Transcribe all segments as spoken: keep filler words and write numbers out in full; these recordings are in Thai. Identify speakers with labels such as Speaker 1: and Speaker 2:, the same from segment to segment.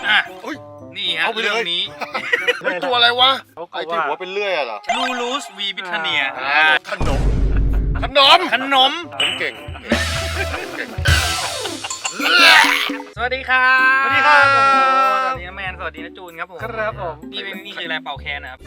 Speaker 1: อ่ะนี่ฮะเรื่องนี้
Speaker 2: ตัวอะไรวะไอ้ที่หัวเป็นเลื่อยอะเหรอ
Speaker 1: ลูลูสวีบิทเนีย
Speaker 2: ขนมขนม
Speaker 1: ขนม
Speaker 2: ผมเก่ง
Speaker 1: สวัสดีครับ
Speaker 3: สวัสดีครับผม
Speaker 1: สวัสดีนะแมนสวัสดีนะจูนครับผม
Speaker 3: ครับผม
Speaker 1: นี่เป็นนี่คืออะไรเป่าแคนนะครับ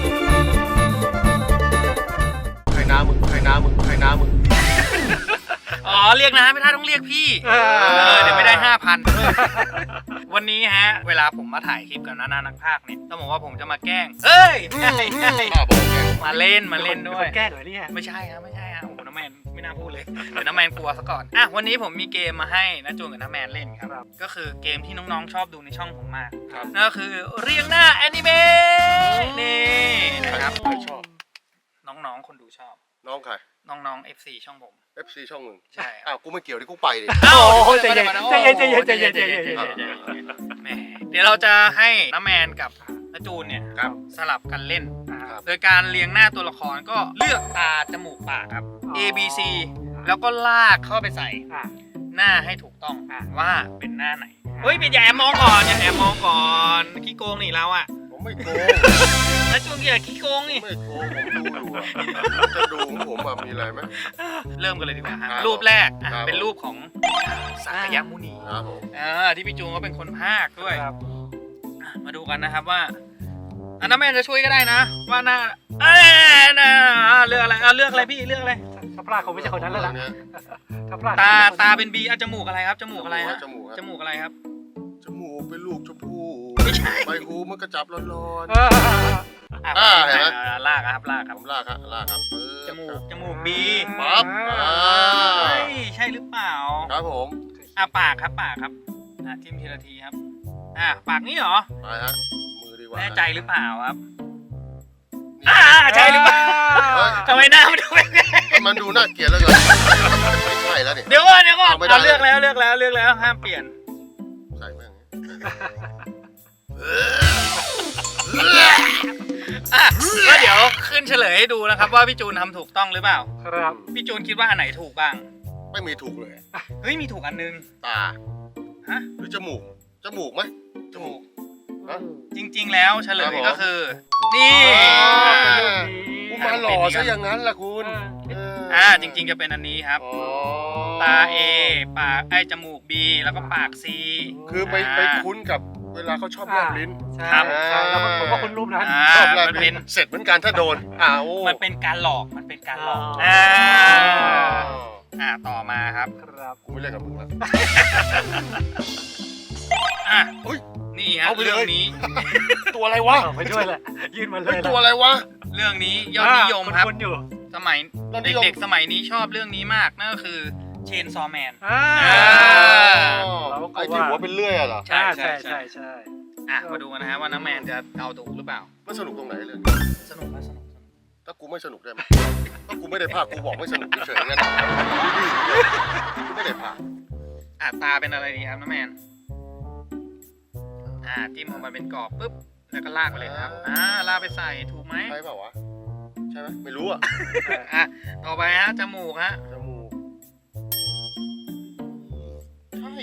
Speaker 2: ใครน้ามึงใครน้ามึงใครน้ามึง
Speaker 1: อ๋อเรียกนะไม่ได้ต้องเรียกพี่เออเดี๋ยวไม่ได้ห้าพันวันนี้ฮะเวลาผมมาถ่ายคลิปกับน้านักพากย์เนี่ยต้องบอกว่าผมจะมาแกล้งเฮ้ยมาเล่นมาเล่นด้วย
Speaker 3: แกล้งเหรอเนี่ย
Speaker 1: ไม่ใช่ครับไม่ใช่ครับโอ้โหน้าแมนไม่น่าพูดเลยเดี๋ยวน้าแมนกลัวซะก่อนอ่ะวันนี้ผมมีเกมมาให้น้าจูนกับน้าแมนเล่นครับก็คือเกมที่น้องๆชอบดูในช่องผมมากนั่นก็คือเรียงหน้าแอนิเมะนี่นะครับ
Speaker 2: ชอบ
Speaker 1: น้องๆคนดูชอบ
Speaker 2: น้องใคร
Speaker 1: น้องๆ เอฟ ซี ช่องผม
Speaker 2: เอฟ ซี ช่องมึง
Speaker 1: ใช่
Speaker 2: อ้าวกูไม่เกี่ยวที่กูไปดิ
Speaker 1: อ้าว
Speaker 3: ใจเย็นใจเย็นใจเย็นใจเย็นใจเย็น
Speaker 1: แหมเดี๋ยวเราจะให้น้าแมนกับน้าจูนเนี่ยสลับกันเล่นโดยการเรียงหน้าตัวละครก็เลือกตาจมูกปากครับ A B C แล้วก็ลากเข้าไปใส่หน้าให้ถูกต้องว่าเป็นหน้าไหนเฮ้ยเป็นอย่าแอบมองก่อนอย่าแอบมองก่อนขี้โกงนี่เราอะ
Speaker 2: ผมไม่โกง
Speaker 1: น้าจูนอย่าขี้โกงนี่
Speaker 2: ไม่โกงผมดูอยู่จะดูของผมมีอะไรไหม
Speaker 1: เริ่มกันเลยดีกว่าครับรูปแรกเป็นรูปของสักยมุนี
Speaker 2: ครับผม
Speaker 1: อ่าที่พี่จูนก็เป็นคนพากย์ด้วยมาดูกันนะครับว่าอันนั้นแม่จะช่วยก็ได้นะว่าหน้าเอ้ยนะเลือกอะไรอ่ะเลือกอะไรพี่เลือกอะไร
Speaker 3: ถ้าพลาดคงไม่ใช่คนนั้นแล้วล่ะถ้าพลาด
Speaker 1: ตาตาเป็นบีอ่ะจมูกอะไรครับจมูกอะไรฮะจมูกอะไรครับ
Speaker 2: จมูกเป็นลูกชมพู่
Speaker 1: ไม่ใช่
Speaker 2: ใบหูมันกระจับร้อน
Speaker 1: ๆอ่าเห็นไหมลากครับลากครับ
Speaker 2: ลากครับลากครับ
Speaker 1: จมูกจมูกบี
Speaker 2: ปั๊บ
Speaker 1: ใช่หรือเปล่า
Speaker 2: ครับผม
Speaker 1: อ่ะปากครับปากครับอ่ะทิมทีละทีครับอ่ะปากนี่เหรอ
Speaker 2: ไปฮะมือดีกว่า
Speaker 1: แน่ใจหรือเปล่าครับอ่าใช่หรือเปล่าทำไมหน้ามันดูแบบนี้
Speaker 2: มันดูน่าเกลียดแล้วกันไม่ใช่แล้วเนี่ย
Speaker 1: เดี๋ยวก่อนเดี๋ยวก่อนเราเลือกแล้วเลือกแล้วเลือกแล้วห้ามเปลี่ยน
Speaker 2: ใส่แม่ง
Speaker 1: อ่ะก็เดี๋ยวขึ้นเฉลยให้ดูนะครับว่าพี่จูนทำถูกต้องหรือเปล่า
Speaker 3: ครับ
Speaker 1: พี่จูนคิดว่าอันไหนถูกบ้าง
Speaker 2: ไม่มีถูกเลย
Speaker 1: เฮ้ยมีถูกอันนึง
Speaker 2: ตา
Speaker 1: ฮะ
Speaker 2: หรือจมูกจมูกไหม
Speaker 1: จมูกจริงๆแล้วเฉลยก็คือนี่
Speaker 2: กูมาหล่อซะอย่างนั้นล่ะคุณ
Speaker 1: อ่าจริงๆจะเป็นอันนี้ครับตา A ปากไอจมูก B แล้วก็ปาก C
Speaker 2: คือไปไปคุ้นกับเวลาเขาชอบแลบลิ้น
Speaker 1: ครับ
Speaker 3: แล้วผมว่าคุณรูปนั้น
Speaker 2: ชอบแลบลิ้นเสร็จเหมือนกันถ้าโดนอ้าว
Speaker 1: มันเป็นการหลอกมันเป็นการหลอกอ่าอ่าต่อมาครับ
Speaker 3: ครับ
Speaker 2: กูไม่เล่นกับมึงแล้ว
Speaker 1: อ่ะนี่ครับเรื่องนี้
Speaker 2: ตัวอะไรวะ
Speaker 3: ไปด้วยแหละยื่นมาเลย
Speaker 2: ตัวอะไรวะ
Speaker 1: เรื่องนี้ยอดนิยมครับ
Speaker 3: อยู่
Speaker 1: สมัยเด็กๆสมัยนี้ชอบเรื่องนี้มากนั่นก็คือเชนซอแมน
Speaker 2: ไอ้ที่หัวเป็นเลื่อยอะเหรอ
Speaker 3: ใช่ใช่ใช่ใช่
Speaker 1: อ่ะมาดูกันนะฮะว่าน้าแมนจะเอาถูกหรือเปล่า
Speaker 2: มันสนุกตรงไหนเลย
Speaker 1: สนุกสนุก
Speaker 2: ถ้ากูไม่สนุกได้ไหมถ้ากูไม่ได้ภาคกูบอกไม่สนุกเฉยๆงั้นกูไม่ได้ภาค
Speaker 1: อ่ะตาเป็นอะไรดีครับน้าแมนอ่าจิ้มออกมาเป็นกรอบปุ๊บแล้วก็ลากไปเลยครับอ่าลากไปใส่ถูกไหม
Speaker 2: ใช่เปล่าวะใช่ไหมไม่รู้อ่ะ
Speaker 1: อ่ะต่อไปฮะจมูกฮะ
Speaker 2: จมูกใช่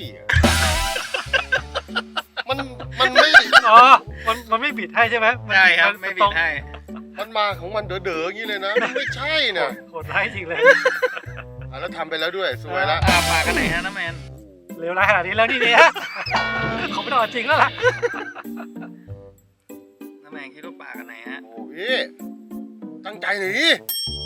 Speaker 2: มันมันไม่
Speaker 3: อ๋อมันมันไม่บิดให้ใช่ไหม
Speaker 1: ใช่ครับไม่บิดให้
Speaker 2: มันมาของมันเด๋อๆอย่างนี้เลยนะไม่ใช่เนี่ย
Speaker 3: โหดร้ายจริงเลย
Speaker 2: อ่ะแล้วทำไปแล้วด้วยสวยแล้ว
Speaker 1: อ่าปากกันไหนฮะน้าแมน
Speaker 3: เร็วร้ายขนาดนี้แล้วนี่เนี่ยเขาไม่ต้องจริงแล้วล่ะ
Speaker 1: น้าแมนคิดว่าปากกันไหนฮะ
Speaker 2: โอ้พี่ตั้งใจหน่อยดิ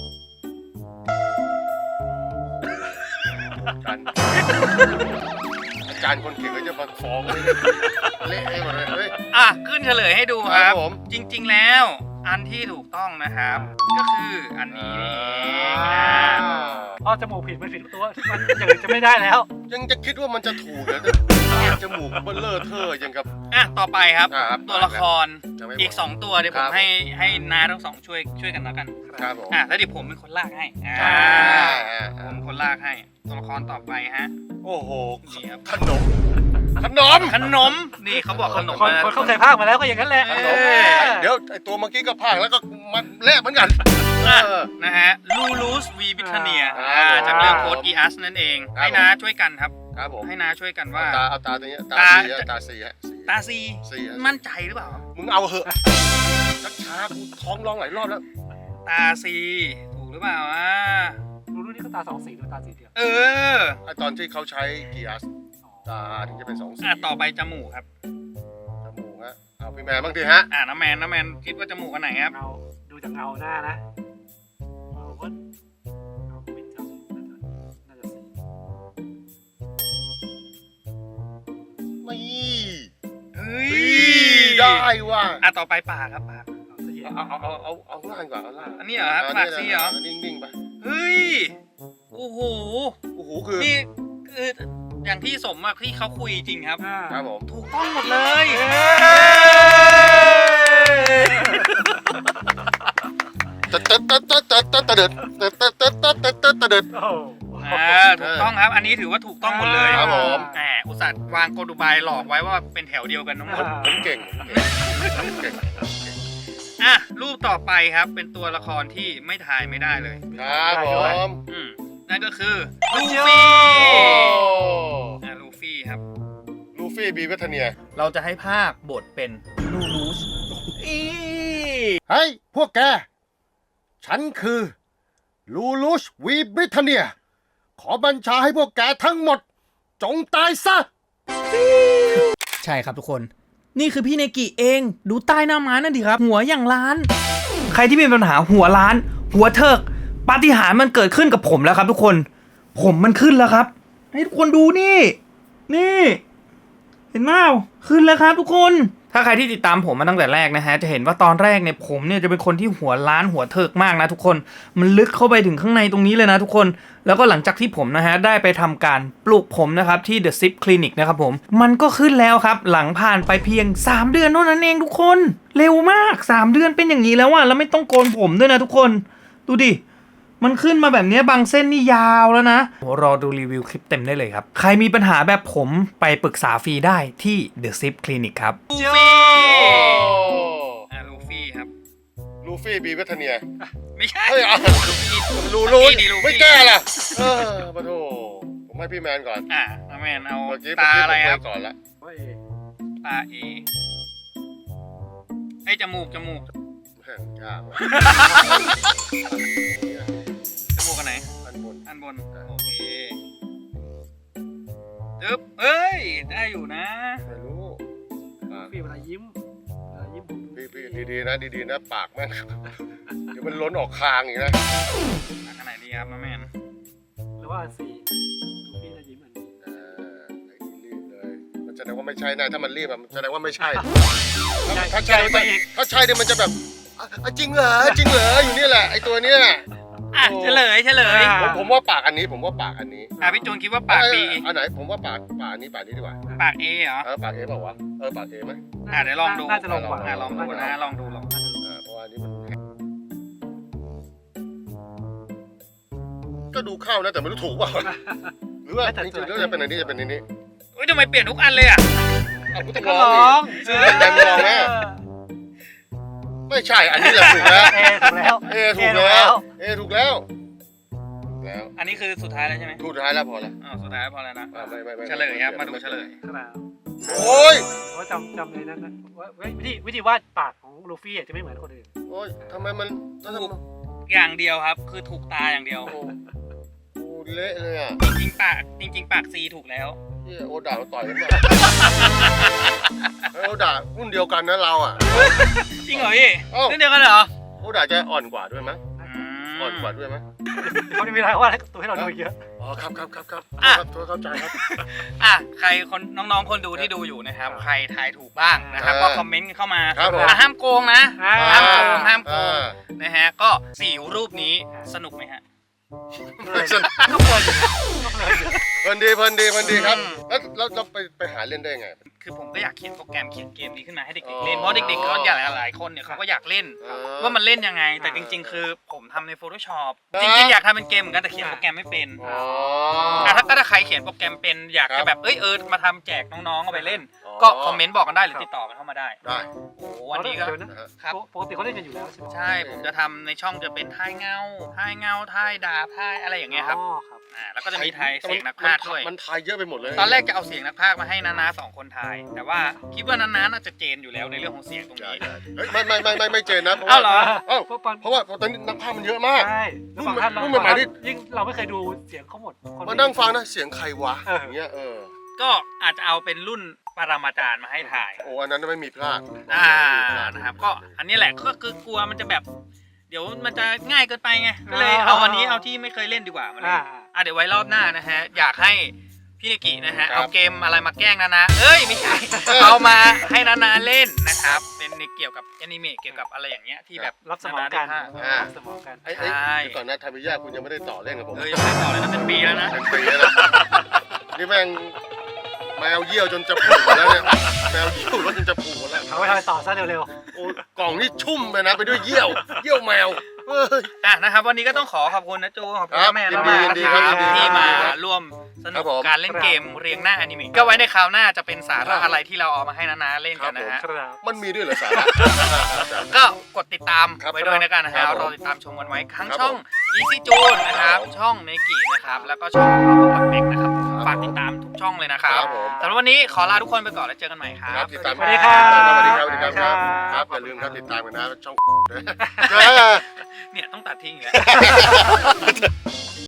Speaker 2: อาจารย์คนเก่งก็จะมาฟ้องเลยเละให้หมดเลยเฮ้ย
Speaker 1: อ่ะขึ้นเฉลยให้ดูครับจริงๆแล้วอันที่ถูกต้องนะครับก็คืออันนี้นี่
Speaker 3: พอจมูกผิดมันผิดตัวมันอย่างอื่นจะไม่ได้แล้ว
Speaker 2: ยังจะคิดว่ามันจะถูกเหรอจมูกเบลเลอร์เธอยังกับ
Speaker 1: อ่ะต่อไปครับตัวละครอีกสองตัวเดี๋ยวผมให้ให้น้าทั้งสองช่วยช่วยกันแล้วกัน
Speaker 2: ครับผม
Speaker 1: อ่ะแล้วเดี๋ยวผมเป็นคนลากให้อ่าผมเป็นคนลากให้ตัวละครต่อไปฮะ
Speaker 2: โอ้โห
Speaker 1: นี่ครับ
Speaker 2: ขนมขนม
Speaker 1: ขนมนี่เขาบอกขนม
Speaker 3: คนคนเข้าใจภาคมาแล้วก็อย่างนั้นแหละ
Speaker 2: เดี๋ยวไอตัวเมื่อกี้ก็ภาคแล้วก็มันเละเหมือนกัน
Speaker 1: นะฮะลูลูสวีบิทเนียจากเรื่องโค้ดอีอัสนั่นเองให้น้าช่วยกันครับ
Speaker 2: ครับผม
Speaker 1: ให้นาช่วยกันว่า
Speaker 2: ตาเอาตาตัวนี้ตา
Speaker 1: ตา
Speaker 2: สีอะตาสีฮะสี
Speaker 1: ตาซี
Speaker 2: สีฮะ
Speaker 1: มั่นใจหรือเปล่า
Speaker 2: มึงเอาเหอะชักช้ากูท้องร้องหลายรอบแล้ว
Speaker 1: ตาซีถูกหรือเปล่าอ่ะ
Speaker 3: รู้รุ่นนี้ก็ตาสองสีหรือตาสีเดียว
Speaker 1: เออ
Speaker 2: ไอตอนที่เขาใช้กีอาร์ตาถึงจะเป็นสองสี
Speaker 1: อ่ะต่อไปจมูกครับ
Speaker 2: จมูกฮะเอาพี่แมนบ้างดิฮะ
Speaker 1: อ่ะน้ำแมนน้ำแมนคิดว่าจมูกอันไหนครับ
Speaker 3: เงาดูจากเงาหน้านะเอาว่าเอาไม่จำน่าจะน่าจะสี
Speaker 2: ไม่
Speaker 1: เฮ้ย
Speaker 2: ได้ว่ะ
Speaker 1: อ่ะต่อไปปากครับปาก
Speaker 3: เอาสี
Speaker 2: เอาเอาเอาเอาเอาล่างก่อนเอาล่าง
Speaker 1: อันนี้เหรอครับปากซีเหรอ
Speaker 2: นิ่งๆไป
Speaker 1: เฮ้ยโอ้โห
Speaker 2: โอ้โหคือ
Speaker 1: นี่คืออย่างที่สมอะที่เขาคุยจริงครับ
Speaker 3: อ่า
Speaker 2: ครับผม
Speaker 1: ถูกต้องหมดเลย
Speaker 2: ตะตะตะตะตะตะตะเดิดตะตะตะตะตะตะตะเดิด
Speaker 3: โอ้โห
Speaker 1: อ่าถูกต้องครับ อันนี้ถือว่าถูกต้องหมดเลย
Speaker 2: ครับผม
Speaker 1: แหมอุตส่าห์วางกลอุบายหลอกไว้ว่าเป็นแถวเดียวกันทั้งหมด
Speaker 2: ผมเก่งผมเก่ง
Speaker 1: อ่ะรูปต่อไปครับเป็นตัวละครที่ไม่ทายไม่ได้เลย
Speaker 2: ครับผม
Speaker 1: อืมนั่นก็คือลู
Speaker 2: โอ้
Speaker 1: ฟี่อ่ะลูฟี่ครับ
Speaker 2: ลูฟี่บีเวทเนีย
Speaker 1: เราจะให้ภาคบทเป็นลูลูสอี
Speaker 2: เฮ้ยพวกแก ฉันคือลูลูชวีบริเทเนีย ขอบัญชาให้พวกแกทั้งหมด จงตายซะ
Speaker 1: ใช่ครับทุกคน นี่คือพี่เนกิเองดูใต้หน้าม้านั่นดิครับ หัวอย่างล้าน ใครที่มีปัญหาหัวล้าน หัวเถิกปาฏิหาริย์มันเกิดขึ้นกับผมแล้วครับทุกคน ผมมันขึ้นแล้วครับ ให้ทุกคนดูนี่ นี่ เห็นไหมขึ้นแล้วครับทุกคน ถ้าใครที่ติดตามผมมาตั้งแต่แรกนะฮะจะเห็นว่าตอนแรกเนี่ยผมเนี่ยจะเป็นคนที่หัวล้านหัวเถิกมากนะทุกคน มันลึกเข้าไปถึงข้างในตรงนี้เลยนะทุกคน แล้วก็หลังจากที่ผมนะฮะได้ไปทำการปลูกผมนะครับที่ The Zip Clinic นะครับผมมันก็ขึ้นแล้วครับหลังผ่านไปเพียงสามเดือนเท่านั้นเองทุกคนเร็วมากสามเดือนเป็นอย่างนี้แล้วอะแล้วไม่ต้องโกนผมด้วยนะทุกคนดูดิมันขึ้นมาแบบนี้บางเส้นนี่ยาวแล้วนะรอดูรีวิวคลิปเต็มได้เลยครับใครมีปัญหาแบบผมไปปรึกษาฟรีได้ที่ The Zip Clinic ครับลูฟี่อ่าลูฟี่ครับ
Speaker 2: ลูฟี่บีเวทเนีย
Speaker 1: ไม่ใช่
Speaker 2: เฮ้ยเอา
Speaker 1: ลูฟี่
Speaker 2: ลูลู
Speaker 1: ดีลูฟี่
Speaker 2: ไม่แก้ล่ะ เออมาโถผมให้พี่แมนก่อน
Speaker 1: อ่ะน้าแมนเอา
Speaker 2: เมื่อกี้
Speaker 1: ตาอะไรครับ
Speaker 2: ผมก่อนละ
Speaker 3: ว่าเอ
Speaker 1: ตาเอไอ้จมูกจมูก
Speaker 2: แม่งยากว่ะ
Speaker 1: จมูกอันไหน
Speaker 2: อันบน
Speaker 1: อันบนโอเคจึ๊บเอ้ยได้อยู่นะ
Speaker 2: ไม่รู้อ่ะ
Speaker 3: พี่เวลายิ้มเวลายิ้มผมดู
Speaker 2: พี่พี่ดีๆนะดีๆนะปากแม่ง เดี๋ยวมันล้นออกคางอีกนะ
Speaker 1: อันไหนดีครับน้าแมน
Speaker 3: หรือว่าอันสี่ดูพี่จะยิ้มอันนี้
Speaker 2: เออไอ้นี่รีบเลย มันแสดงว่าไม่ใช่นะถ้ามันรีบอะมันแสดงว่าไม่ใช่ ถ้าถ้าใช่มันจะถ้าใช่เนี่ยมันจะแบบอ่ะอ่ะจริงเหรอจริงเหรออยู่นี่แหละไอ้ตัวเนี้ย
Speaker 1: อ่ะเฉลยเฉลย
Speaker 2: ผมผมว่าปากอันนี้ผมว่าปากอันนี้
Speaker 1: อ่ะพี่จูนคิดว่าปาก
Speaker 2: เอ้ย
Speaker 1: บี
Speaker 2: อันไหนผมว่าปากปากอันนี้ปากนี้ดีกว่า
Speaker 1: ปากเอเหรอ
Speaker 2: เออปากเอเปล่าวะเออปากเอไหม
Speaker 1: อ่ะเดี๋ยวลองดู
Speaker 3: น่าจะลงกว่า
Speaker 1: อ่ะลองดูนะลองดูลองดู
Speaker 2: เออเพราะว่าอันนี้มันก็ดูเข้านะแต่ไม่รู้ถูกเปล่าหรือว่าจริงๆแล้วจะเป็นอันนี้จะเป็นอันนี้
Speaker 1: เฮ้ยทำไมเปลี่ยนทุกอันเลยอ่ะ
Speaker 2: อ้าวกูต้อง
Speaker 3: ก็
Speaker 2: ล
Speaker 3: ล
Speaker 2: อง
Speaker 3: อง
Speaker 2: ดิแต่มึงลองไหมไม่ใช่อันนี้แหละถูกแล้ว
Speaker 3: เอถูกแล้ว
Speaker 2: เอถูกแล้วเอถูกแล้วถูกแล้ว
Speaker 1: อันนี้คือสุดท้ายแล้วใช่ไหม
Speaker 2: ถูกท้ายแล้วพอแล้ว
Speaker 1: อ๋อสุดท้ายพอแล้วนะ
Speaker 2: อ่าไม่ไม่ไม่
Speaker 1: เฉลยครับมาดูเฉลย
Speaker 3: ขนาด
Speaker 2: โอ้ย
Speaker 3: ว่าจำจำเลยนั่นนะว่าวิธีวิธีวาดปากของลูฟี่จะไม่เหมือนคนอื่น
Speaker 2: โอ้ยทำไมมันแล้วทำไม
Speaker 1: อย่างเดียวครับ คือถูกตาอย่างเดียว
Speaker 2: โอ้โหเละเลยอ่ะ
Speaker 1: จริงๆปากจริง ๆ ปากซีถูกแล้ว
Speaker 2: เหียโอด่ามาต่อยกันเนี่ยเฮ้ยโอด่ารุ่นเดียวกันนะเราอ่ะ
Speaker 1: จริงเหรอพี่
Speaker 2: เอ้า
Speaker 1: เรื่องเดียวกันเหรอ
Speaker 2: โอด่าจะอ่อนกว่าด้วยมั้ย
Speaker 1: อืม
Speaker 2: อ่อนกว่าด้วยมั้ย
Speaker 3: เขาจะมีอะไรวาดตัวให้เราดูเยอะ
Speaker 2: อ๋อครับครับครับครับ
Speaker 1: อ่ะ
Speaker 2: ครับเข้าใจครับ
Speaker 1: อ่ะใครคนน้องๆคนดูที่ดูอยู่นะครับ ใครทายถูกบ้างนะครับ
Speaker 2: เออ
Speaker 1: ก็คอมเมนต์กันเข้ามา
Speaker 2: ครับผม
Speaker 1: อ่ะห้ามโกงนะ
Speaker 3: อ่า
Speaker 1: ห้ามโกงห้ามโก
Speaker 2: อ่
Speaker 1: งนะฮะก็สี่รูปนี้สนุกไหมฮะ
Speaker 2: ไม่สนุก
Speaker 3: ก็เพลินอยู่ก็เพลินอยู่
Speaker 2: เพลินดีเพลินดีเพลินดีครับ
Speaker 1: อืม
Speaker 2: แล้วเราเราไปไปหาเล่นได้ไง
Speaker 1: คือผมก็อยากเขียนโปรแกรมเขียนเกมนี้ขึ้นมาให้เด็กๆเล่นเพราะเด็กๆก็อยากหลายๆคนเนี่ยเขาก็อยากเล่น
Speaker 2: เออ
Speaker 1: ว่ามันเล่นยังไง แต่จริง ๆ คือผมทำใน Photoshop
Speaker 2: อ่า
Speaker 1: จริงๆอยากทำเป็นเกมเหมือนกันแต่เขียนโปรแกรมไม่เป็น
Speaker 2: อ๋อ
Speaker 1: อ่ะถ้าถ้าใครเขียนโปรแกรมเป็นอยาก
Speaker 2: ครั
Speaker 1: จะ
Speaker 2: บ
Speaker 1: แบบเอ้ยเออมาทำแจกน้องๆเอาไปเล่น
Speaker 2: อ๋อ
Speaker 1: ก็คอมเมนต์บอกกันได้หรือติดต่อกันเข้ามาได้
Speaker 2: ได้
Speaker 1: โอ้วันนี้ก็
Speaker 3: เดี๋ยวนะ
Speaker 2: นะฮะ
Speaker 1: ครับ
Speaker 3: ปกติเขาเล่นกันอยู่แล้วใช่ไหม
Speaker 1: ใช่ผมจะทำในช่องจะเป็นท่ายเงาท่ายเงาท่ายดาบท่ายอะไรอย่างเงี้ยครับ
Speaker 3: อ๋อครับ
Speaker 1: อ่าแล้วก็จะมีทายเสียงนักพากย์ด้วย
Speaker 2: มันทายเยอะไปหมดเลย
Speaker 1: ตอนแรกจะเอาเสียงนักพากย์มาให้นานาสองคนทาย แต่ว่าคิดว่านานาน่าจะเจนอยู่แล้วในเรื่องของเสียงตรง
Speaker 2: อย่า
Speaker 1: นี้
Speaker 2: อย่าเฮ้ยไม่ไม่ไม่ไม่ไม่เจนนะเพราะ
Speaker 1: เอ้า
Speaker 2: ว่า
Speaker 1: เหรอ
Speaker 2: เอ้า
Speaker 3: เพราะปัน
Speaker 2: เพราะว่าตอนนี้นักพากย์มันเยอะมาก
Speaker 3: ใช่แล้วบางท่านเรา
Speaker 2: รุ่นใหม่ๆนี่
Speaker 3: ยิ่งเราไม่เคยดูเสียงเขาหมดค
Speaker 2: มานั่งฟังนะเสียงใครวะ
Speaker 3: เออ
Speaker 2: อ
Speaker 3: อ
Speaker 2: ย่างเงี้ยเออ
Speaker 1: ก็อาจจะเอาเป็นรุ่นปรมาจารย์มาให้ถ่าย
Speaker 2: โอ้อันนั้นไม่มีพลาด
Speaker 1: อ่านะครับก็อันนี้แหละก็คือกลัวมันจะแบบ เดี๋ยวมันจะง่ายเกินไปไงก็เลยเอาวันนี้เอาที่ไม่เคยเล่นดีกว่ามาเล่
Speaker 3: อ่าน
Speaker 1: อ่ะเดี๋ยวไว้รอบหน้านะฮะอยากให้พี่เนกินะฮะเอาเกมอะไรมาแกล้งนานาเอ้ยไม่ใช่เอามาให้นานาเล่นนะครับเป็นในเกี่ยวกับแอนิเมะเกี่ยวกับอะไรอย่างเงี้ยที่แบบ
Speaker 3: รับสมองกัน
Speaker 1: นานาได้ภาค
Speaker 3: รับสมองกัน
Speaker 2: ไอ้ไอ้
Speaker 1: ใช่
Speaker 2: เดี๋ยวก่อนนะทามิยะคุณยังไม่ได้ต่อเล่นกับผม
Speaker 1: เออยังไม่ได้ต่อเลยนะเป็นปีแล้วนะ
Speaker 2: เป็นปีแล้วนะนี่แม่งแมวเยี่ยวจนจะผูกหมดแล้วเนี่ยแมวเยี่ยวรถจนจะผูกหมดแล้ว
Speaker 3: เอาไว้ทำไปต่อซะเร็ว
Speaker 2: โอ้กล่องนี่ชุ่มไปนะไปด้วยเยี่ยวเยี่ยวแมวเฮ้ย
Speaker 1: อ่ะนะครับวันนี้ก็ต้องขอขอบคุณนะจูขอบคุณ
Speaker 2: ครับ
Speaker 1: แม่
Speaker 2: ยิน
Speaker 1: มาก
Speaker 2: ดี
Speaker 1: ๆนะค
Speaker 2: ยิ
Speaker 1: รับ
Speaker 2: นดี
Speaker 1: ที่มา
Speaker 2: ครับ
Speaker 1: ร่วมส
Speaker 2: ค
Speaker 1: นุ
Speaker 2: รั
Speaker 1: ก
Speaker 2: บผม
Speaker 1: การเล่นเกมเรียงหน้าอนิเมะก็ไว้ในคราวหน้าจะเป็นสาระอะไรที่เราเอามาให้นานาเล่นกันนะฮะ
Speaker 3: ๆครับ
Speaker 2: มันมีด้วยเหรอสาระ
Speaker 1: ก็กดติดตาม
Speaker 2: ครับ
Speaker 1: ไว้ด้วยนะกันนะค
Speaker 2: ครั
Speaker 1: รับบ
Speaker 2: ผม
Speaker 1: รอติดตามชมกันไว้ทั้ง
Speaker 2: ครับ
Speaker 1: ช่อง
Speaker 2: ผม
Speaker 1: Easy June นะครับ
Speaker 2: ครับผม
Speaker 1: ช่องเนกินะครับแล้วก็ช่องเราเล็กนะครับ
Speaker 2: ครับ
Speaker 1: ฝากติดตามทุกช่องเลยนะครับ
Speaker 2: ครับผม
Speaker 1: สำหรับวันนี้ขอลาทุกคนไปก่อนแล้วเจอกันใหม่ครั
Speaker 2: ครับ บติดตาม
Speaker 3: สวัสดีครับ
Speaker 2: สวัสดีครับสวัสดีครับ
Speaker 3: ครับ
Speaker 2: ครับอย่าลืมครับติดตามกันนะช่อง
Speaker 1: เนี่ยต้องตัดทิ้งอีกแล้ว